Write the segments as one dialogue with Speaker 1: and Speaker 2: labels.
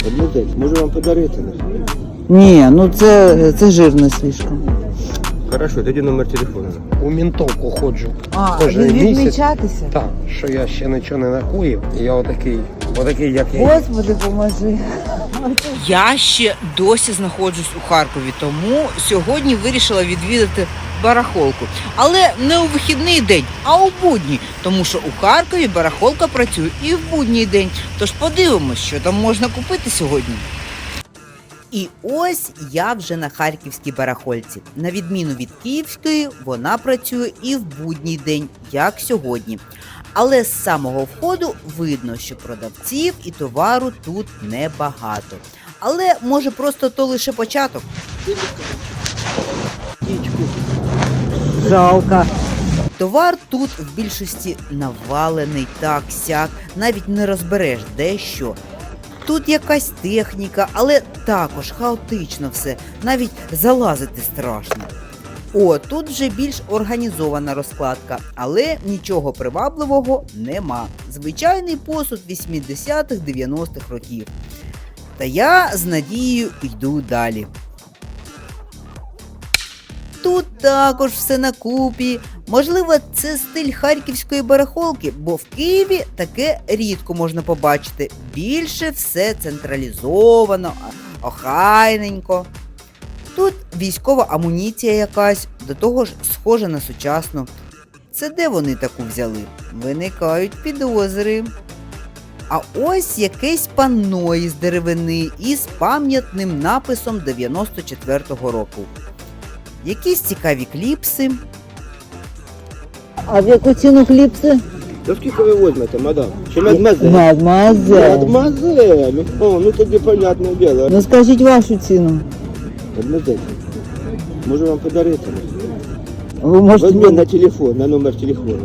Speaker 1: Одну можу вам подарити.
Speaker 2: Ні, ну це жирно слишком.
Speaker 1: Хорошо, тоді номер телефону.
Speaker 3: У ментовку ходжу.
Speaker 2: Ви відмічатися?
Speaker 3: Так, що я ще нічого не накоїв. І я отакий, як я.
Speaker 2: Господи, поможи.
Speaker 4: Я ще досі знаходжусь у Харкові, тому сьогодні вирішила відвідати барахолку. Але не у вихідний день, а у будній, тому що у Харкові барахолка працює і в будній день. Тож подивимось, що там можна купити сьогодні. І ось я вже на харківській барахольці. На відміну від київської, вона працює і в будній день, як сьогодні. Але з самого входу видно, що продавців і товару тут небагато. Але, може, просто то лише початок?
Speaker 2: Жалко.
Speaker 4: Товар тут в більшості навалений так-сяк, навіть не розбереш де що. Тут якась техніка, але також хаотично все, навіть залазити страшно. О, тут вже більш організована розкладка, але нічого привабливого нема. Звичайний посуд 80-х-90-х років. Та я з надією йду далі. Тут також все на купі. Можливо, це стиль харківської барахолки, бо в Києві таке рідко можна побачити. Більше все централізовано, охайненько. Тут військова амуніція якась, до того ж схожа на сучасну. Це де вони таку взяли? Виникають підозри. А ось якесь панно із деревини із пам'ятним написом 94-го року. Якісь цікаві кліпси.
Speaker 2: А в яку ціну кліпси?
Speaker 1: Та скільки ви візьмете, мадам? Чи мадмазель?
Speaker 2: Мадемуазель.
Speaker 1: Мадмазель. О, ну тоді понятне діло.
Speaker 2: Ну скажіть вашу ціну.
Speaker 1: Мадмазель. Можу вам подарити.
Speaker 2: Ви можете...
Speaker 1: Возьми на телефон, на номер телефону.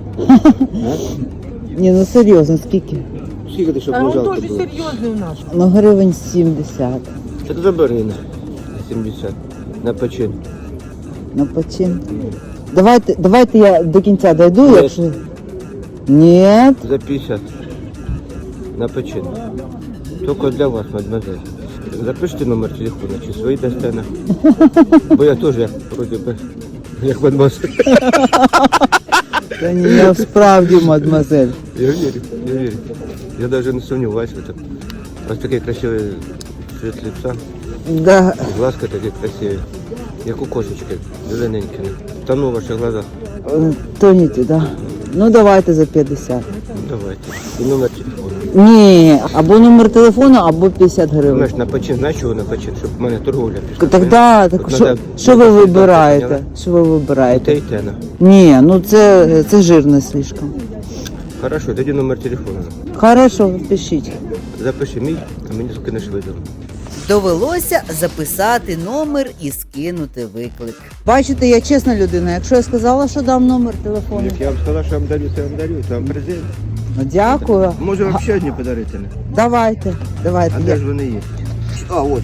Speaker 2: Ні, ну серйозно, скільки?
Speaker 1: Скільки ти, щоб не жалко було?
Speaker 5: серйозний у нас.
Speaker 2: Ну гривень 70.
Speaker 1: Це ти забери на 70. На почин.
Speaker 2: На почин. Давайте я до кінця дойду,
Speaker 1: Ні.
Speaker 2: якщо... Ні.
Speaker 1: За 50. На почин. Тільки для вас, мадмазель. Запишіть номер телефону, чи свої дасте на. Бо я теж, вроді би, як мадмазель.
Speaker 2: Та ні, я справді, мадемуазель.
Speaker 1: Я верю. Я даже не сомневаюсь в этом. У вас такие красивые цвет лица,
Speaker 2: Да.
Speaker 1: и глазка такие красивые. Як у кошечки, зелененькі. Тону в ваших глазах.
Speaker 2: Тоніті, да. Ну давайте за 50.
Speaker 1: Ну, давайте. І номер телефону.
Speaker 2: Ні, або номер телефону, або 50 гривень.
Speaker 1: Знаєш, на почин, знаєш, чого на почин? Щоб в мене торговля пішла.
Speaker 2: Так, да,
Speaker 1: От
Speaker 2: так
Speaker 1: надо-
Speaker 2: що ви
Speaker 1: надо
Speaker 2: вибираєте?
Speaker 1: поняла?
Speaker 2: Що ви
Speaker 1: Те
Speaker 2: вибираєте?
Speaker 1: і те, на.
Speaker 2: Ні, ну це жирно слишком.
Speaker 1: Хорошо, тоді номер телефону.
Speaker 2: Хорошо, пишіть.
Speaker 1: Запиши мій, а мені скинеш видео.
Speaker 4: Довелося записати номер і скинути виклик.
Speaker 2: Бачите, я чесна людина. Якщо я сказала, що дам номер телефону,
Speaker 1: Як я вам сказав, що я вам дарю, то я вам дарю. Це вам презент.
Speaker 2: ну дякую.
Speaker 1: Може вам ще одні подарити? Не?
Speaker 2: Давайте.
Speaker 1: А де ж вони є? А, от.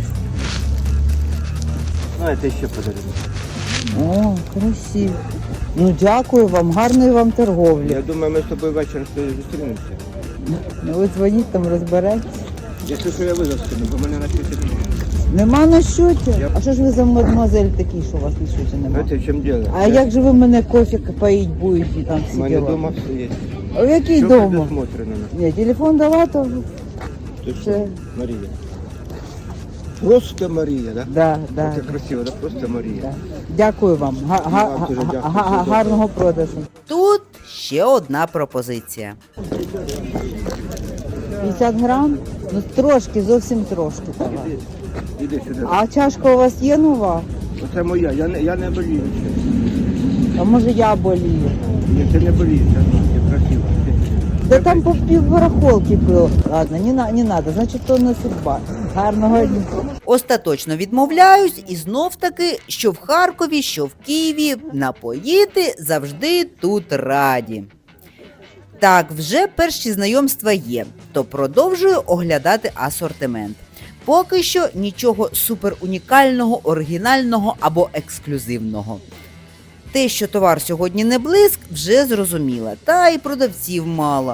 Speaker 1: Ну, це ще подарунок.
Speaker 2: О, красиво. Ну дякую вам, гарної вам торговлі.
Speaker 1: Я думаю, ми з тобою ввечері зустрінемося.
Speaker 2: Ну ви дзвоніть там, розберетесь.
Speaker 1: Якщо що я визов скину, бо мене на світі.
Speaker 2: Нема на щоті? А що ж ви за мадемуазель такий, що у вас на щоті нема?
Speaker 1: Знаєте, в чому діло?
Speaker 2: А як же ви мене кофе поїть будете там
Speaker 1: У
Speaker 2: всі
Speaker 1: мене
Speaker 2: діла?
Speaker 1: вдома все є.
Speaker 2: А в який
Speaker 1: Все
Speaker 2: дома?
Speaker 1: предусмотрено.
Speaker 2: Ні, телефон дала, то
Speaker 1: Ти
Speaker 2: Це-
Speaker 1: що, Марія? Просто Марія, так?
Speaker 2: да.
Speaker 1: Це красиво, да? Просто Марія.
Speaker 2: Да. Дякую вам.
Speaker 1: Вам дуже дякую, все добре.
Speaker 2: Гарного продажу.
Speaker 4: Тут ще одна пропозиція.
Speaker 2: 50 грам? Ну трошки, зовсім трошки. давай.
Speaker 1: Іди сюди.
Speaker 2: А чашка у вас є нова?
Speaker 1: Оце моя, я не болію ще.
Speaker 2: А може я болію?
Speaker 1: Ні, ти не болієш, це красиво.
Speaker 2: Та там по півбарахолки було. Ладно, не надо, значить то не судьба. Гарного дня.
Speaker 4: Остаточно відмовляюсь і знов таки, що в Харкові, що в Києві, напоїти завжди тут раді. Так, вже перші знайомства є, то продовжую оглядати асортимент. Поки що нічого суперунікального, оригінального або ексклюзивного. Те, що товар сьогодні не блиск, вже зрозуміла, та й продавців мало.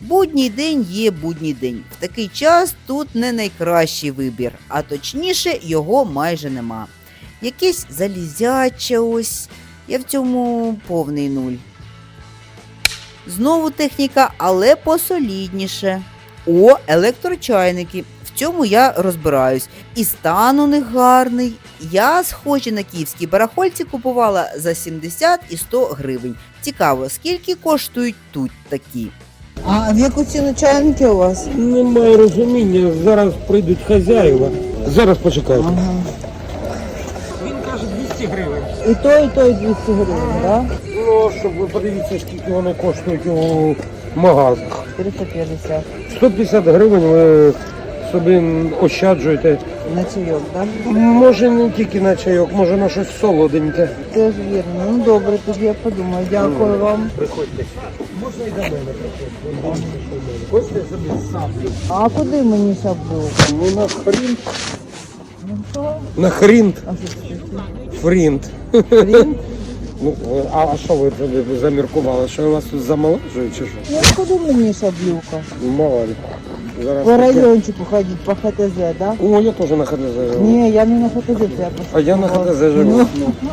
Speaker 4: Будній день є будній день. В такий час тут не найкращий вибір, а точніше його майже нема. Якесь залізяче ось, я в цьому повний нуль. Знову техніка, але посолідніше. О, електрочайники. В цьому я розбираюсь. І стан у них гарний. Я схожі на київській барахольці купувала за 70 і 100 гривень. Цікаво, скільки коштують тут такі?
Speaker 2: А в яку ціну чайники у вас?
Speaker 3: Немає розуміння, зараз прийдуть хазяїва. Зараз почекайте.
Speaker 2: Ага.
Speaker 3: Він каже 200 гривень.
Speaker 2: І той 200 гривень, так?
Speaker 3: Ну, щоб ви подивіться, скільки вони коштують у магазах.
Speaker 2: 350
Speaker 3: 150 гривень ви собі ощаджуєте.
Speaker 2: на чайок, так?
Speaker 3: Може не тільки на чайок, може на щось солоденьке.
Speaker 2: Теж вірно. Ну добре, тоді я подумаю. Дякую вам.
Speaker 3: Приходьте. Можна і до мене приходити. Хочете собі саблю?
Speaker 2: А куди мені шаблю?
Speaker 3: Ну на хрін.
Speaker 2: Ну що?
Speaker 3: На хрін.
Speaker 2: А що це таке?
Speaker 3: Фрінт.
Speaker 2: Хрін?
Speaker 3: Ну, а що ви заміркували? Що я вас тут замолоджую чи що?
Speaker 2: Ну куди мені шаблюка?
Speaker 3: Мало ли. Зараз
Speaker 2: По
Speaker 3: таке.
Speaker 2: райончику ходить, по ХТЗ, так?
Speaker 3: О, я теж на ХТЗ живу.
Speaker 2: Ні, я не на ХТЗ, це я просто.
Speaker 3: А я на ХТЗ живу.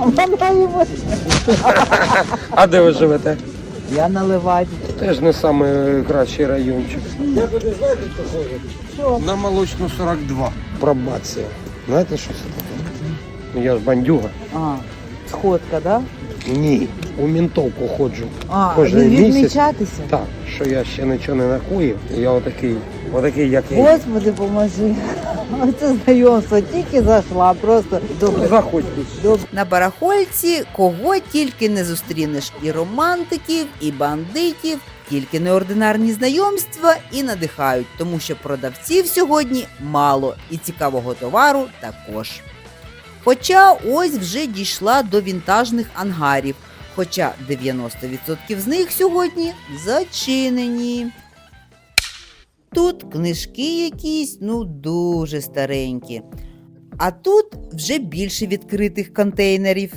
Speaker 3: А де ви живете?
Speaker 2: Я на Леваді.
Speaker 3: Теж не найкращий райончик. Я туди знаєте, що ходить?
Speaker 2: Що?
Speaker 3: На Молочну 42. Пробація. Знаєте, що це таке? Ну, я ж бандюга.
Speaker 2: А, сходка, да?
Speaker 3: Ні, у ментовку ходжу.
Speaker 2: А,
Speaker 3: Кожен місяць.
Speaker 2: відмічатися?
Speaker 3: Так, що я ще нічого не накоїв. Я отакий, як я.
Speaker 2: Господи, поможи. Оце знайомство тільки зайшла, просто добре.
Speaker 3: Заходьте.
Speaker 2: Добре.
Speaker 4: На барахольці кого тільки не зустрінеш: і романтиків, і бандитів, тільки неординарні знайомства і надихають, тому що продавців сьогодні мало і цікавого товару також. Хоча ось вже дійшла до вінтажних ангарів, хоча 90% з них сьогодні зачинені. Тут книжки якісь, ну дуже старенькі. А тут вже більше відкритих контейнерів.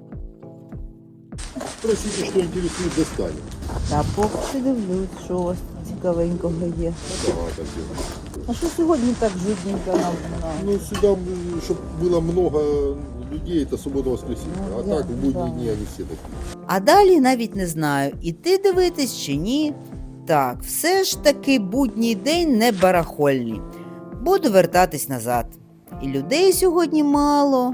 Speaker 5: Спросите, что интересует, достали.
Speaker 2: Та поки дивлюсь, що у вас цікавенького є.
Speaker 5: Давай так делаем.
Speaker 2: А що сьогодні так жутненько нам?
Speaker 5: Ну, сюда, чтобы было много людей, это суббота-воскресенье.
Speaker 2: Ну,
Speaker 5: А так, в будние
Speaker 2: да.
Speaker 5: дни они все такие.
Speaker 4: А далі навіть не знаю, іти дивитись чи ні. Так, все ж таки будній день не барахольний. Буду вертатись назад. І людей сьогодні мало.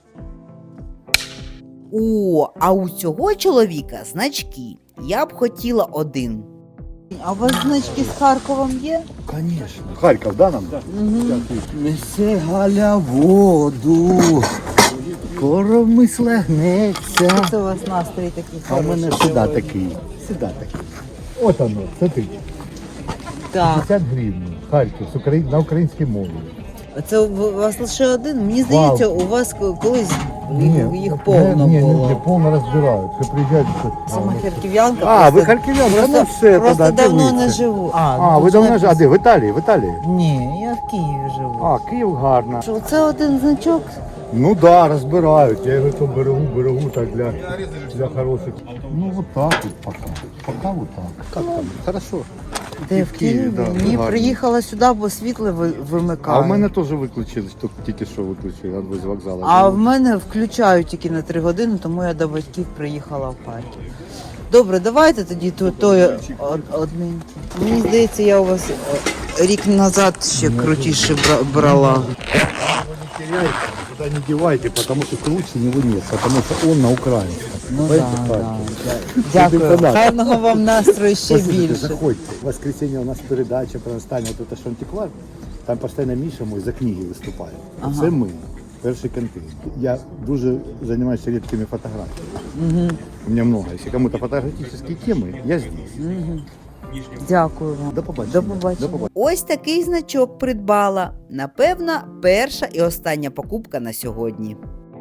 Speaker 4: О, а у цього чоловіка значки. Я б хотіла один.
Speaker 2: А у вас значки з Харковом є?
Speaker 6: Конечно. Харків, да, нам?
Speaker 2: Угу.
Speaker 6: Несе Галя воду, коров мисля гнеться.
Speaker 2: Це у вас настрій такий
Speaker 6: А в мене
Speaker 2: хороший
Speaker 6: сюди
Speaker 2: сьогодні.
Speaker 6: такий, сюди такий. От воно, смотри,
Speaker 2: Так,
Speaker 6: 50 гривень, Харків, на українській мові.
Speaker 2: це у вас лише один? Мені здається, у вас колись їх повно
Speaker 6: ні,
Speaker 2: було.
Speaker 6: повно розбирають. Це приїжджають.
Speaker 2: Сама харків'янка.
Speaker 6: А, ви
Speaker 2: просто-
Speaker 6: харків'янка, ну все,
Speaker 2: Просто
Speaker 6: тоді
Speaker 2: давно
Speaker 6: дивіться.
Speaker 2: не живу.
Speaker 6: А, ви давно ж, а де, в Італії, в Італії?
Speaker 2: Ні, я в Києві живу.
Speaker 6: А, Київ гарно.
Speaker 2: Що, це один значок?
Speaker 6: Ну да, розбирають. Я його то берегу так для хороших. Ну вот так вот пока вот так. Как там? Хорошо.
Speaker 2: Де
Speaker 6: І
Speaker 2: в Києві?
Speaker 6: да,
Speaker 2: Ні,
Speaker 6: гарно.
Speaker 2: приїхала сюди, бо світло вимикають.
Speaker 6: А в мене теж виключили, тільки що виключили, з вокзалу.
Speaker 2: А в мене включають тільки на 3 години, тому я до батьків приїхала в Харків. Добре, давайте тоді той одненький. Мені здається, я у вас рік назад ще крутіше брала.
Speaker 6: Не теряйте, туда не девайте, потому что круче него нет, потому что он на украинском.
Speaker 2: Ну
Speaker 6: Понимаете,
Speaker 2: да,
Speaker 6: Харьков?
Speaker 2: Дякую.
Speaker 6: Да.
Speaker 2: Гарного вам настрою ще
Speaker 6: Послушайте,
Speaker 2: більше.
Speaker 6: заходьте. В воскресенье у нас передача про останнє вот это Шантиквар. Там постійно Міша мой за книги виступає.
Speaker 2: Ага.
Speaker 6: Це ми, перший контейнер. Я дуже займаюся рідкими фотографіями. У меня много. Если кому-то фотографические темы, я здесь.
Speaker 2: Дякую вам.
Speaker 6: До побачення.
Speaker 2: До побачення.
Speaker 4: Ось такий значок придбала. Напевно, перша і остання покупка на сьогодні.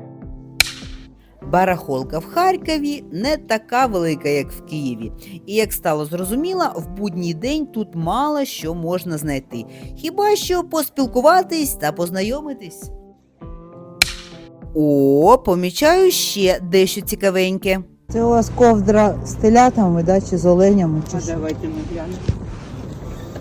Speaker 4: Барахолка в Харкові не така велика, як в Києві. І як стало зрозуміло, в будній день тут мало що можна знайти. Хіба що поспілкуватись та познайомитись. О, помічаю ще дещо цікавеньке.
Speaker 2: Це у вас ковдра з телятами, да, чи з оленями? Чи що?
Speaker 7: Давайте мы глянем.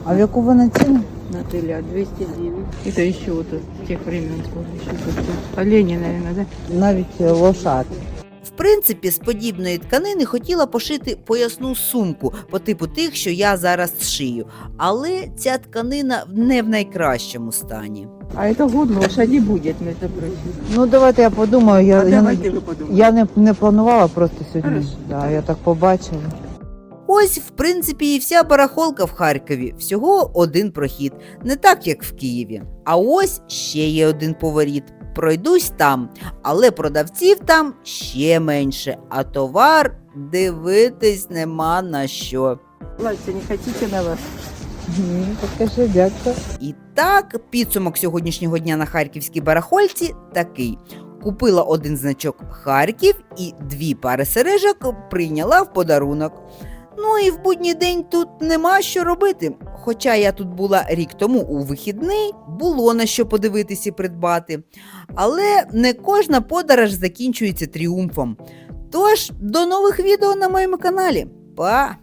Speaker 2: А в яку вона ціну?
Speaker 7: На теля 209. Это еще вот с тех времен тоже еще тут. Олени, наверное, да?
Speaker 2: Навіть лошад.
Speaker 4: В принципі, з подібної тканини хотіла пошити поясну сумку по типу тих, що я зараз шию. Але ця тканина не в найкращому стані.
Speaker 7: А это год лошади будет, между прочим.
Speaker 2: Ну давайте я подумаю.
Speaker 7: Давайте ви подумайте.
Speaker 2: Я не планувала просто сьогодні.
Speaker 7: Хорошо.
Speaker 2: Да, я так побачила.
Speaker 4: Ось, в принципі, і вся барахолка в Харкові. Всього один прохід. Не так, як в Києві. А ось ще є один поворіт. Пройдусь там, але продавців там ще менше, а товар дивитись нема на що.
Speaker 7: Платье не хотите на вас?
Speaker 2: Ні, покажи, дякую.
Speaker 4: І так, підсумок сьогоднішнього дня на харківській барахольці такий. Купила один значок Харків і 2 пари сережок прийняла в подарунок. Ну і в будній день тут нема що робити. Хоча я тут була рік тому у вихідний, було на що подивитись і придбати. Але не кожна подорож закінчується тріумфом. Тож, до нових відео на моєму каналі. Па!